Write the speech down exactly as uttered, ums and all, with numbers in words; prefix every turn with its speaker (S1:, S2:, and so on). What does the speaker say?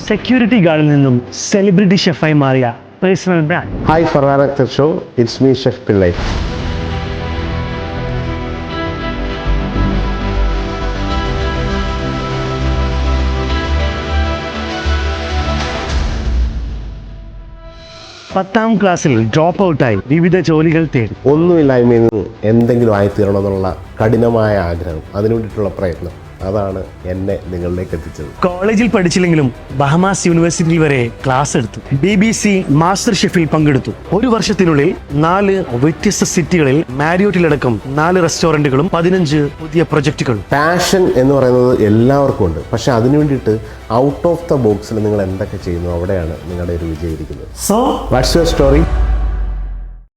S1: Security ഗാർഡിൽ നിന്നും celebrity ഷെഫായി മാറിയ personal brand.
S2: Hi Farhan Akhtar show, it's me chef Pillai.
S1: പത്താം ക്ലാസ്സിൽ ഡ്രോപ്പ് ഔട്ടായി വിവിധ ജോലികൾ തേടി.
S2: ഒന്നുമില്ലായ്മയിൽ നിന്ന് എന്തെങ്കിലും ആയിത്തീരണമെന്നുള്ള കഠിനമായ ആഗ്രഹം, അതിനു വേണ്ടിയിട്ടുള്ള പ്രയത്നം, അതാണ് എന്നെ നിങ്ങളിലേക്ക് എത്തിച്ചത്.
S1: കോളേജിൽ പഠിച്ചില്ലെങ്കിലും ബഹമാസ് യൂണിവേഴ്സിറ്റിയിൽ വരെ ക്ലാസ് എടുത്തു. ബി ബി സി മാസ്റ്റർ ഷെഫിൽ പങ്കെടുത്തു. ഒരു വർഷത്തിനുള്ളിൽ നാല് വ്യത്യസ്ത സിറ്റികളിൽ മാരിയോട്ടിലടക്കം നാല് റെസ്റ്റോറന്റുകളും പതിനഞ്ച് പുതിയ പ്രൊജക്ടുകളും.
S2: പാഷൻ എന്ന് പറയുന്നത് എല്ലാവർക്കും ഉണ്ട്, പക്ഷെ അതിനു വേണ്ടിയിട്ട് ഔട്ട് ഓഫ് ദ ബോക്സിൽ നിങ്ങൾ എന്തൊക്കെ ചെയ്യുന്നു, അവിടെയാണ് നിങ്ങളുടെ ഒരു വിജയം ഇരിക്കുന്നത്.
S1: So
S2: what's your story?